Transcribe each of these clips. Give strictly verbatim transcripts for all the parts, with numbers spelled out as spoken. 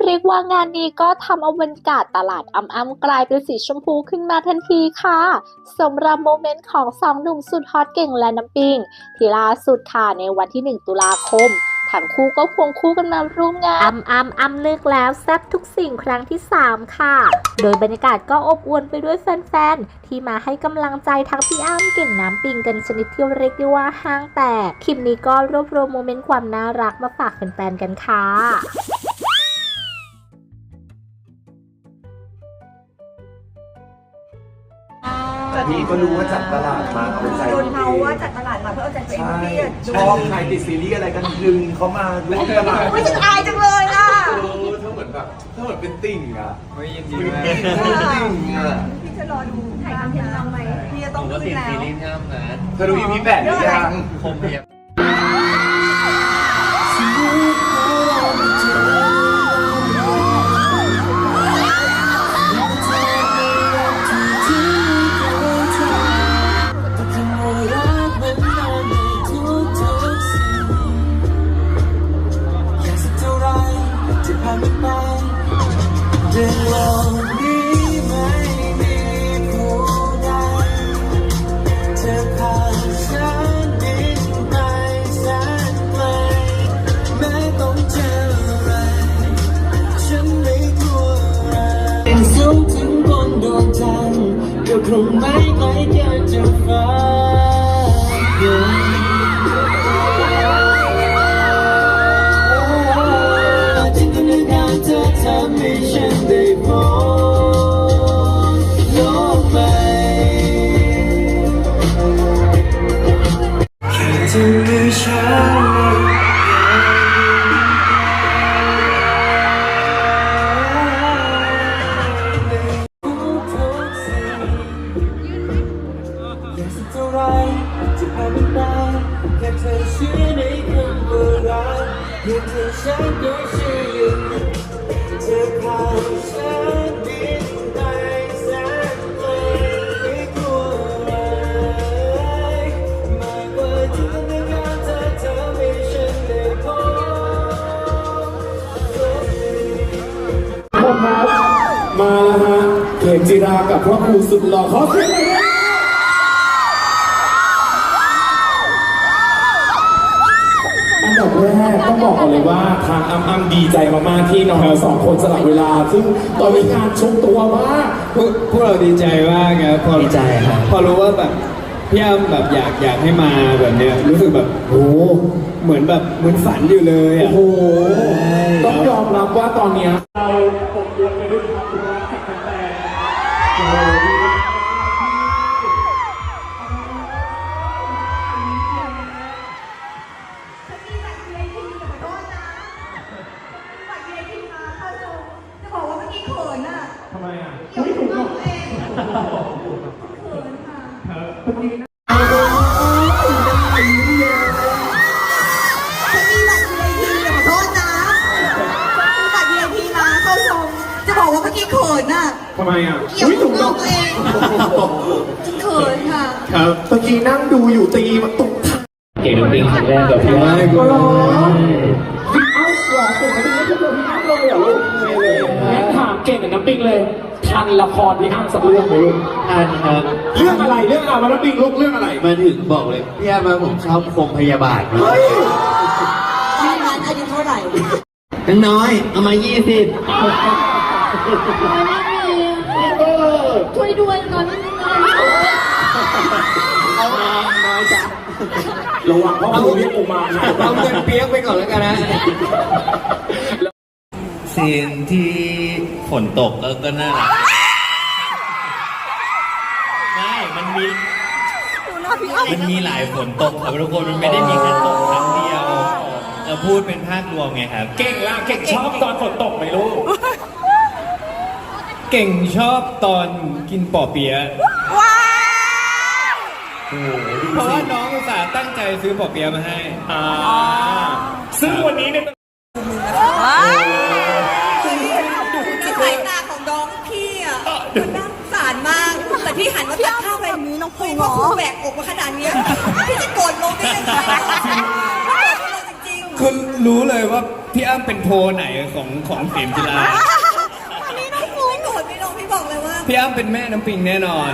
เรียกว่างานนี้ก็ทำเอาบรรยากาศตลาดอ้ำๆกลายเป็นสีชมพูขึ้นมาทันทีค่ะสำหรับโมเมนต์ของสองหนุ่มสุดฮอตเก่งและน้ำปิงที่ล่าสุดค่ะในวันที่หนึ่งตุลาคมทั้งคู่ก็ควงคู่กันมาร่วมงานอ้ำอ้ำอ้ำเลิกแล้วแซ่บทุกสิ่งครั้งที่สามค่ะโดยบรรยากาศก็อบอวลไปด้วยแฟนๆที่มาให้กำลังใจทั้งพี่อ้ำเก่งน้ำปิงกันชนิดที่เรียกได้ว่าห้างแตกคลิปนี้ก็รวบรวมโมเมนต์ความน่ารักมาฝากแฟนๆกันค่ะพี่ก็รู้ว่าจัดตลาดมาเอาใจโดนเขาว่าจัดตลาดมาเพื่อเอาใจตัวเองเพียรชอบใครติดซีรีส์อะไรกันดึงเขามาร่วมตลาดไม่ฉันอายจังเลยอ่ะเออถ้าเหมือนแบบถ้าเหมือนเป็นติ่งอ่ะไม่ยินดีมากเป็นติ่งอ่ะพี่จะรอดูถ่ายคอนเทนต์เราไหมพี่จะผต้องมก็ขึ้ตินดแล้วซีรีส์น้ำนะเธอดูอีพีแปดหรือยังคมเพียบเรื่องเหล่านี้ไม่มีผู้ใดเธอพาฉันบินไปแสนไกลแม้ต้องเจออะไรฉันไม่กลัวอะไรเป็นสูงถึงบนดวงจันทร์ก็คงไม่ไกลเกินจะฟ้าจินตนาการเธอทำให้ฉันได้พบโลกใหม่แค่เธอมีฉันอยากสักเท่าไรจะผ่านมันไปแค่เธอเชื่อในคำว่ารักเพียงเธอฉันก็เชื่ออยู่เธอพาฉันบินไปแสนไกลไม่กลัวอะไรมากกว่าจินตนาการเธอทำให้ฉันได้พบคนครับมาแล้วฮะเขมจิรากับพระครูสุดหล่อขอเสียงหน่อยนะอันดับแรกต้องบอกก่อนเลยว่าทางอ้ำอ้ำดีใจมากๆที่น้องเราสองคนสลับเวลาซึ่งตอนนี้งานชกตัวมากพวกพวกเราดีใจมากครับพอดีใจครับพอรู้ว่าแบบพี่อ้ำแบบอยากอยากให้มาแบบเนี้ยรู้สึกแบบโอ้เหมือนแบบเหมือนฝันอยู่เลยอ่ะโอ้โหต้องยอมรับว่าตอนเนี้ยเราผมยกไปด้วยความรักจากแฟนๆโอ้โหจะบอกว่าเมื่อกี้เขินอ่ะทำไมอ่ะเกี่ยวกับตัวเองเขินค่ะเมื่อกี้นะฉันมีบัตร วี ไอ พี ขอโทษนะฉันมีบัตร วี ไอ พี มาเข้าชมจะบอกว่าเมื่อกี้เขินอ่ะทำไมอ่ะเกี่ยวกับตัวเองฉันเขินค่ะครับเมื่อกี้นั่งดูอยู่ตีมาตกเก่งจริงครั้งแรกกับพี่อ้ำก็ร้องพี่เอ้าหรอผมไม่ได้เจอพี่อ้ำเลยเหรอลูกไม่เลยงั้นถามเก่งกับน้ำปิงเลยทันละครพี่อ้ำสักเรื่องไหมลูกท่านครับเรื่องอะไรเรื่องอะไรน้ำปิงลูกเรื่องอะไรมาถึงบอกเลยพี่อ้ำมาผมชอบคมพยาบาลเฮ้ยตอนนั้นอายุเท่าไหร่นังน้อยเอามายี่สิบช่วยด้วยตอนนี้มีเงินน้อยจ้ะระวังพ่อครูเรียกกูมานะเอาเงินเปียกไปก่อนแล้วกันนะซีนที่ฝนตกก็ก็น่ารักไม่มันมีมันมีหลายฝนตกครับทุกคนมันไม่ได้มีแค่ตกครั้งเดียวเราพูดเป็นภาพรวมไงครับเก่งละเก่งชอบตอนฝนตกไหมลูกเก่งชอบตอนกินปอเปี๊ยะเพราะว่าน้องอุตส่าห์ตั้งใจซื้อปอเปี๊ยะมาให้อ่าซึ่งวันนี้เนี่ยสายตาของน้องพี่อ่ะมันน่าสงสารมาก แต่พี่หันมาตักข้าวไปมีน้องปุ้ยว่าคุณแบกอกมาขนาดนี้พี่จะโกรธลงได้ยังไงจริงๆคุณรู้เลยว่าพี่อ้ำเป็นโพลไหนของของเข็มจิราอันนี้น้องฟูไม่โกรธพี่น้องพี่บอกเลยว่าพี่อ้ำเป็นแม่น้ำปิงแน่นอน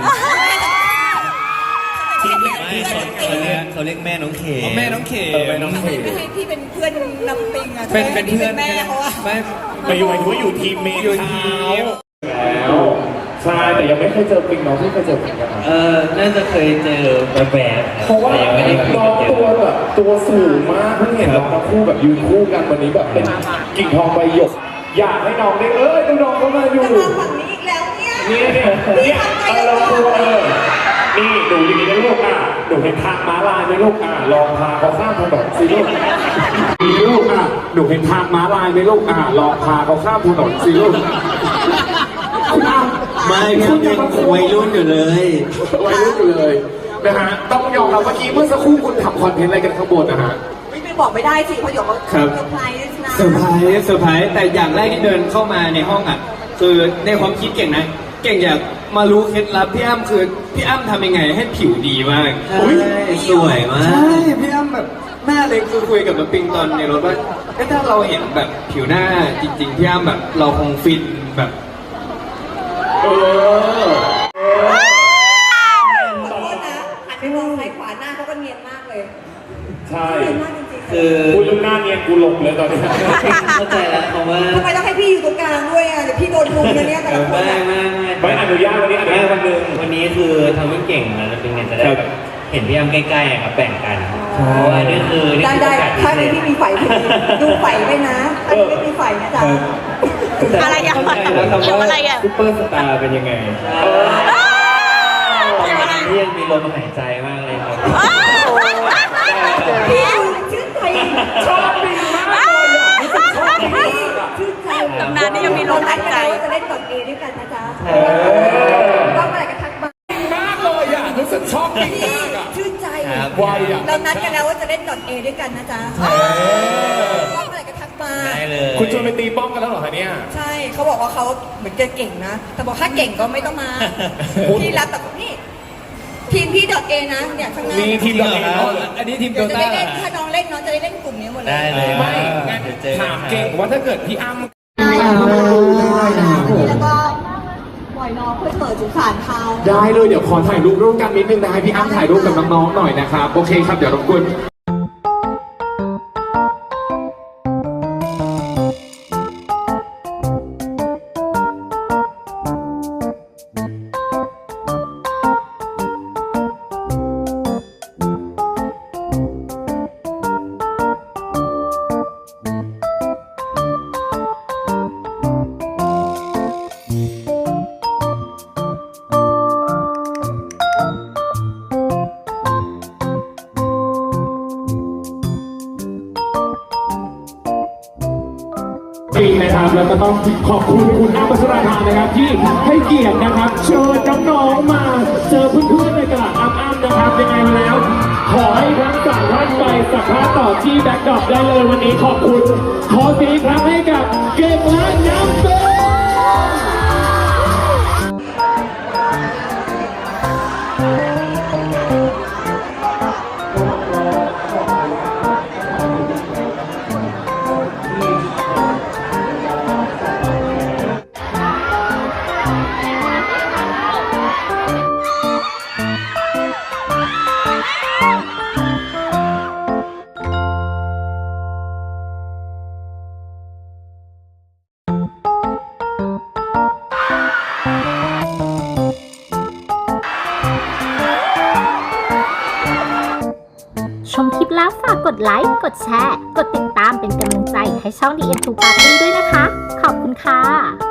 ทีมเล็กไม่เขาเขาเรียกเขาเรียกแม่น้องเขอ๋อแม่น้องเขมเออแม่น้องเขไม่ให้พี่เป็นเพื่อนนำปิงอะเป็นเป็นเพื่อนแม่เขาอะไม่ไปอยู่ไอ้ว่าอยู่ทีมเมย์อยู่ทีมแล้วใช่แต่ยังไม่เคยเจอปิงน้องที่เคยเจอปิงนะครับเออน่าจะเคยเจอแบบแบบๆเพราะว่าแต่ยังไม่ได้คุยน้องกันตัวแบบตัวสูงมากเพิ่งเห็นน้องทั้งคู่แบบยืนคู่กันวันนี้แบบเป็นกิ่งทองใบหยก อยากให้น้องได้เอ้ยน้องๆเข้ามาอยู่จะมาฝั่งนี้อีกแล้วเนี่ยนี่เนี่ยเนี่ยเออเราครูเออนี่ดูอย่างนี้นะลูกอ่ะหนูเห็นทางม้าลายไหมลูกอ่ะลองพาเขาข้ามถนนสิลูกนี่ลูกอ่ะหนูเห็นทางม้าลายไหมลูกอ่ะลองพาเขาข้ามถนนสิลูกคุณอ้ำไม่พี่อ้ำยังวัยรุ่นอยู่เลยวัยรุ่นอยู่เลยนะฮะต้องยอมรับเมื่อกี้เมื่อสักครู่คุณทำคอนเทนต์อะไรกันข้างบนนะฮะไม่ไปบอกไม่ได้สิเพราะเดี๋ยวเขาครับเซอร์ไพรส์นะเซอร์ไพรส์เซอร์ไพรส์แต่อย่างแรกที่เดินเข้ามาในห้องอ่ะ คือในความคิดเก่งนะ เก่งอยากมารู้เคล็ดลับพี่อ้ำคือพี่อ้ำทำยังไงให้ผิวดีมากใช่สวยมากใช่พี่อ้ำแบบหน้าเลยคือคุยกับน้ำปิงตอนในรถว่าเอ๊ะถ้าเราเห็นแบบผิวหน้าจริงๆพี่อ้ำแบบเราคงฟินแบบเออขอโทษนะหันไปมองซ้ายขวาหน้าเขาก็เนียนมากเลยใช่เนียนมากจริงๆคือคุณลูกหน้าเนียนกูหลงเลยตอนนี้เข้าใจแล้วเพราะว่าทำไมต้องให้พี่อยู่ตรงกลางด้วยอ่ะเดี๋ยวพี่โดนรุมนะเนี่ยแต่ละคนไม่อะไม่ไม่อนุญาตวันนี้อนุไม่ญาตวัวัน นหนึ่งวันนี้คือทำให้เก่งนะแล้วเป็นไงจะได้แบบเห็นพี่อ้ำใกล้ๆอะครับแบ่งกันเพราะว่านี่คือนี่ได้คือได้โอกาสพิถ้าเศมีษพี่มีไฟดูไฟไว้นะถ้ามีไม่มีไฟนะจ๊ะอะไรอะเข้าใจแล้วครับว่าซุปเปอร์สตาร์เป็นยังไงที่ยังมีลมหายใจมากเลยครับพี่ชื่นใจชอบดีมากเลยอ่ะรู้สึกชอบดีชื่นใจตำนานนี่ยังมีลมหายใจจะเล่นดอทเอด้วยกันนะจ๊ะเออก็เมื่อไหร่ก็ทักมามากเลยอ่ะรู้สึกชอบจริงพี่มากอ่ะชื่นใจครับไวอ่ะเรานัดกันแล้วว่าจะเล่นดอทเอด้วยกันนะจ๊ะก็เมื่อไหร่ก็ทักมาได้เลยคุณชวนไปตีป้อมกันแล้วเหรอคะเนี่ยใช่เขาบอกว่าเขาเหมือนจะเก่งนะ แต่บอกถ้าเก่งก็ไม่ต้องมา พี่รับแต่นี่ทีมพี่ดอทเอนะเนี่ยข้างหน้ามีทีมดอทเออันนี้ทีมโดเดี๋ยวจะต้าได้เล่นถ้าน้องเล่นน้องจะได้เล่นกลุ่มนี้หมดเลยได้เลยไม่งั้นเดี๋ยวเจอถามเก่งว่าถ้าเกิดพี่อ้ำแล้วก็ปล่อยน้องเพื่อเปิดสุสานเขาได้เลยเดี๋ยวขอถ่ายรูปร่วมกันนิดนึงนะให้พี่อ้ำถ่ายรูปกับน้องๆหน่อยนะครับโอเคครับเดี๋ยวรบกวน จริงนะครับแล้วก็ต้องขอบคุณคุณอ้ำพัชราภานะครับที่ให้เกียรตินะครับเชิญน้องๆมาเจอเพื่อนๆในตลาดอ้ำๆนะครับยังไงมาแล้ว ขอให้ทั้งสามท่านไปสัมภาษณ์ต่อที่แบ็คดรอปได้เลยวันนี้ขอบคุณ ขอเสียงอีกครั้งให้กับเก่งและน้ำเต้ชมคลิปแล้วฝากกดไลค์ กดแชร์ กดติดตามเป็นกำลังใจให้ช่อง ดี เอ็ม ทู Party ด้วยนะคะ ขอบคุณค่ะ